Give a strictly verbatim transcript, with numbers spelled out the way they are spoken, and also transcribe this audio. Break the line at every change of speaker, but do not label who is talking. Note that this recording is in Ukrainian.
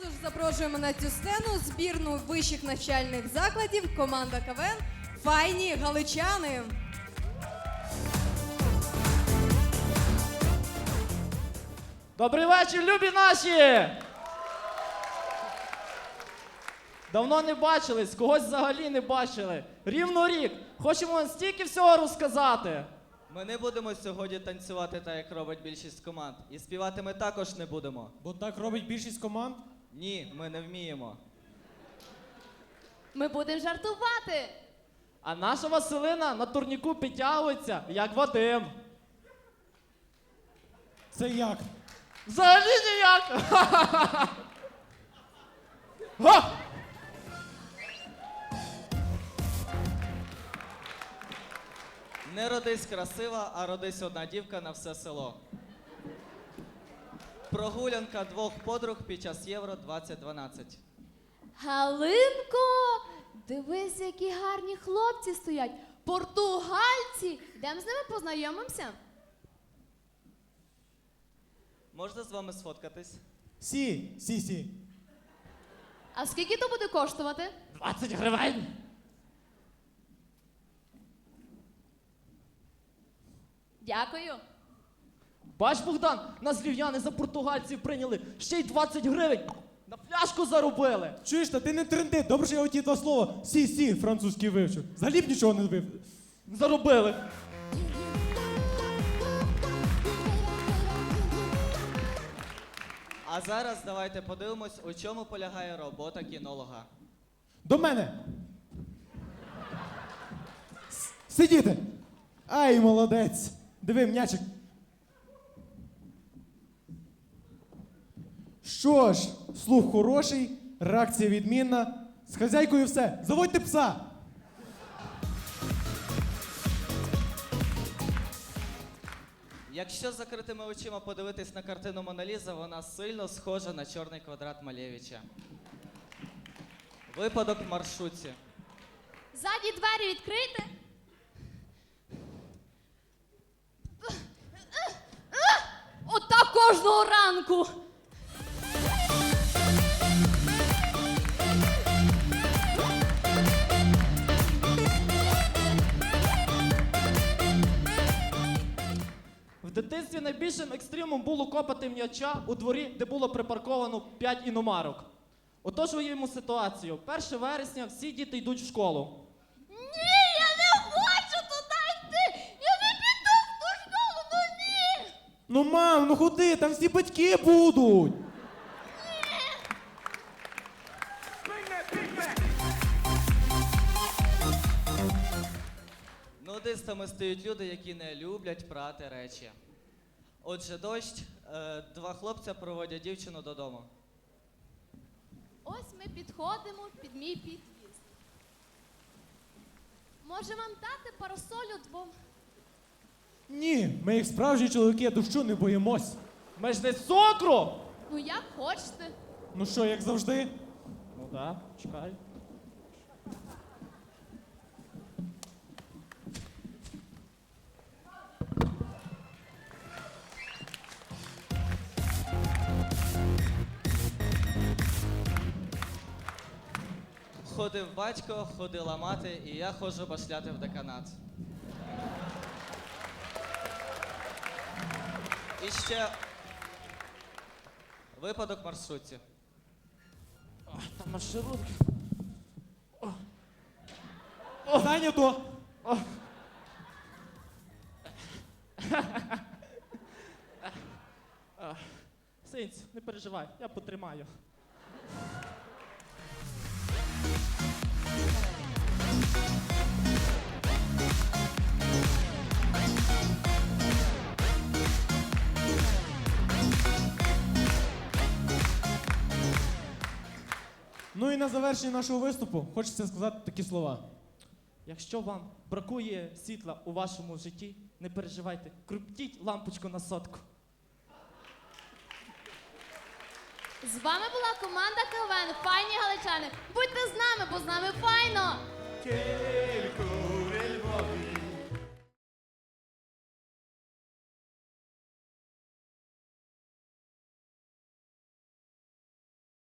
Тож запрошуємо на цю сцену збірну вищих навчальних закладів команда КВН «Файні галичани».
Добрий вечір, любі наші! Давно не бачились, когось взагалі не бачили. Рівно рік. Хочемо вам стільки всього розказати.
Ми не будемо сьогодні танцювати так, як робить більшість команд. І співати ми також не будемо.
Бо так робить більшість команд?
Ні, ми не вміємо.
Ми будемо жартувати.
А наша Василина на турніку підтягується, як Вадим.
Це як?
Взагалі ніяк! Га!
Не родись красива, а родись одна дівка на все село. Прогулянка двох подруг під час Євро двадцять дванадцять.
Галинко, дивись, які гарні хлопці стоять. Португальці. Йдемо з ними познайомимося.
Можна з вами сфоткатись?
Сі, сі, сі.
А скільки то буде коштувати?
двадцять гривень!
Дякую.
Бач, Богдан, нас львів'яни за португальців прийняли, ще й двадцять гривень на пляшку заробили.
Чуєш, та ти не тренди, добре, що я оті два слова сі, сі французький вивчив. Взагалі б нічого не вив.
Заробили.
А зараз давайте подивимось, у чому полягає робота кінолога.
До мене. С- Сидіти. Ай, молодець. Диви, м'ячик. Що ж, слух хороший, реакція відмінна. З хазяйкою все. Заводьте пса.
Якщо з закритими очима подивитись на картину Мона Ліза, вона сильно схожа на чорний квадрат Малєвича. Випадок в маршрутці.
Задні двері відкрийте. Отак кожного ранку.
В дитинстві найбільшим екстримом було копати м'яча у дворі, де було припарковано п'ять іномарок. Отож уявімо ситуацію. першого вересня всі діти йдуть в школу.
Ні, я не хочу туди йти. Я не піду в ту школу, ну ні.
Ну, мам, ну ходи, там всі батьки будуть.
Нудистами стають люди, які не люблять прати речі. Отже, дощ, е, два хлопця проводять дівчину додому.
Ось ми підходимо під мій під'їзд. Може вам дати парасолю двом?
Ні, ми як справжні чоловіки дощу не боїмось.
Ми ж не з цукру!
Ну як хочете.
Ну що, як завжди?
Ну так, чекай.
Ходив батько, ходила мати, і я ходжу башляти в деканат. І ще випадок в маршрутці.
Там маршрутки.
Зайнято.
Синць, не переживай, я потримаю.
Ну і на завершення нашого виступу хочеться сказати такі слова.
Якщо вам бракує світла у вашому житті, не переживайте, крутіть лампочку на сотку.
З вами була команда КВН «Файні галичани». Будьте з нами, бо з нами файно!
Тільки